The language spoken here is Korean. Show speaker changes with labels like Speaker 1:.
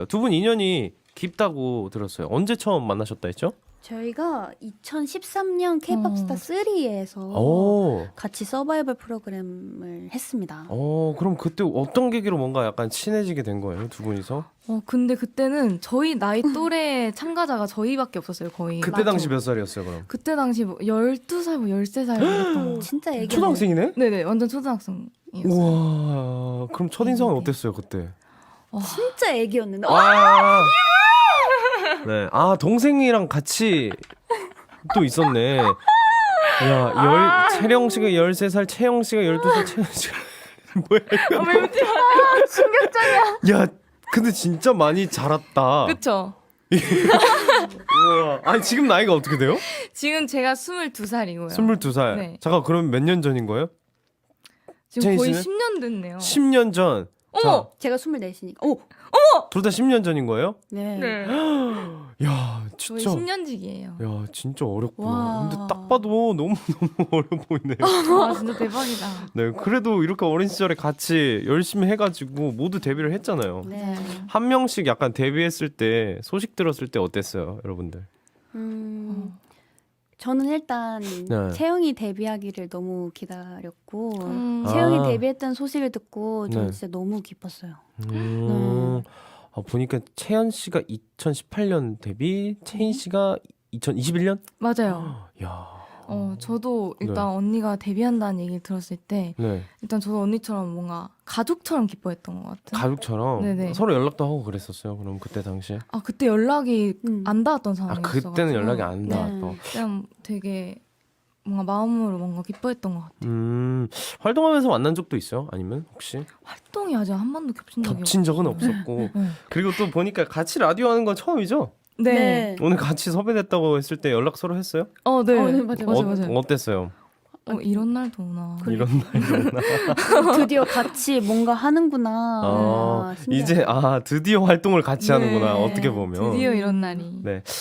Speaker 1: 두 분 인연이 깊다고 들었어요. 언제 처음 만나셨다 했죠?
Speaker 2: 저희가 2013년 K-pop 스타 3에서
Speaker 1: 오.
Speaker 2: 같이 서바이벌 프로그램을 했습니다.
Speaker 1: 그럼 그때 어떤 계기로 뭔가 약간 친해지게 된 거예요, 두 분이서?
Speaker 3: 근데 그때는 저희 나이 또래 참가자가 저희밖에 없었어요, 거의.
Speaker 1: 그때 당시 몇 살이었어요, 그럼?
Speaker 3: 그때 당시 뭐 12살, 뭐 13살 이랬던 거.
Speaker 2: 진짜 애기.
Speaker 1: 초등학생이네?
Speaker 3: 네네, 완전 초등학생이었어요.
Speaker 1: 우와, 그럼 첫인상은
Speaker 3: 네.
Speaker 1: 어땠어요, 그때?
Speaker 2: 진짜 애기였는데.
Speaker 1: 아, 네. 아, 동생이랑 같이 또 있었네. 야, 채령 씨가 13살, 채영 씨가 12살, 채영 씨가. 뭐야, 이거.
Speaker 3: 왜 웃지 마.
Speaker 1: 야, 근데 진짜 많이 자랐다.
Speaker 3: 그쵸?
Speaker 1: 우와. 아니, 지금 나이가 어떻게 돼요?
Speaker 3: 지금 제가 22살이고요.
Speaker 1: 22살.
Speaker 3: 네.
Speaker 1: 잠깐, 그럼 몇 년 전인 거예요?
Speaker 3: 지금
Speaker 1: 제이
Speaker 3: 거의
Speaker 1: 씨는?
Speaker 3: 10년 됐네요.
Speaker 1: 10년 전.
Speaker 3: 어머!
Speaker 2: 제가 24시니까. 오!
Speaker 1: 둘 다 10년 전인 거예요?
Speaker 2: 네.
Speaker 3: 네.
Speaker 1: 야,
Speaker 3: 저희
Speaker 1: 진짜.
Speaker 3: 10년직이에요.
Speaker 1: 야, 진짜 어렵구나.
Speaker 2: 와.
Speaker 1: 근데 딱 봐도 너무 어려 보이네요.
Speaker 3: 와, 진짜 대박이다.
Speaker 1: 네, 그래도 이렇게 어린 시절에 같이 열심히 해가지고 모두 데뷔를 했잖아요.
Speaker 2: 네.
Speaker 1: 한 명씩 약간 데뷔했을 때 소식 들었을 때 어땠어요, 여러분들?
Speaker 2: 저는 일단
Speaker 1: 네.
Speaker 2: 채영이 데뷔하기를 너무 기다렸고
Speaker 1: 아.
Speaker 2: 채영이 데뷔했다는 소식을 듣고 저는
Speaker 1: 네.
Speaker 2: 진짜 너무 기뻤어요.
Speaker 1: 보니까 채연 씨가 2018년 데뷔, 채인 씨가 2021년?
Speaker 3: 맞아요.
Speaker 1: 야,
Speaker 3: 저도 일단
Speaker 1: 네.
Speaker 3: 언니가 데뷔한다는 얘기를 들었을 때
Speaker 1: 네,
Speaker 3: 일단 저도 언니처럼 뭔가 가족처럼 기뻐했던 것 같은.
Speaker 1: 가족처럼
Speaker 3: 네네.
Speaker 1: 서로 연락도 하고 그랬었어요. 그럼 그때 당시에?
Speaker 3: 그때 연락이
Speaker 2: 안
Speaker 3: 닿았던
Speaker 1: 아,
Speaker 3: 상황이었어.
Speaker 1: 그때는 연락이 안
Speaker 2: 네.
Speaker 1: 닿았어.
Speaker 3: 그냥 되게 뭔가 마음으로 뭔가 기뻐했던 것 같아요.
Speaker 1: 활동하면서 만난 적도 있어요? 아니면 혹시
Speaker 3: 활동이 아직 한 번도 겹친 적이
Speaker 1: 겹친 적은 없었고
Speaker 3: 네.
Speaker 1: 그리고 또 보니까 같이 라디오 하는 건 처음이죠?
Speaker 3: 네.
Speaker 1: 오늘 같이 섭외됐다고 했을 때 연락 서로 했어요?
Speaker 3: 네.
Speaker 2: 네, 맞아요.
Speaker 3: 맞아요.
Speaker 1: 어땠어요?
Speaker 3: 이런 날도 오나.
Speaker 1: 이런 날이었나?
Speaker 2: 드디어 같이 뭔가 하는구나.
Speaker 1: 아,
Speaker 2: 신기하다.
Speaker 1: 이제 드디어 활동을 같이
Speaker 2: 네.
Speaker 1: 하는구나. 어떻게 보면.
Speaker 3: 드디어 이런 날이.
Speaker 1: 네.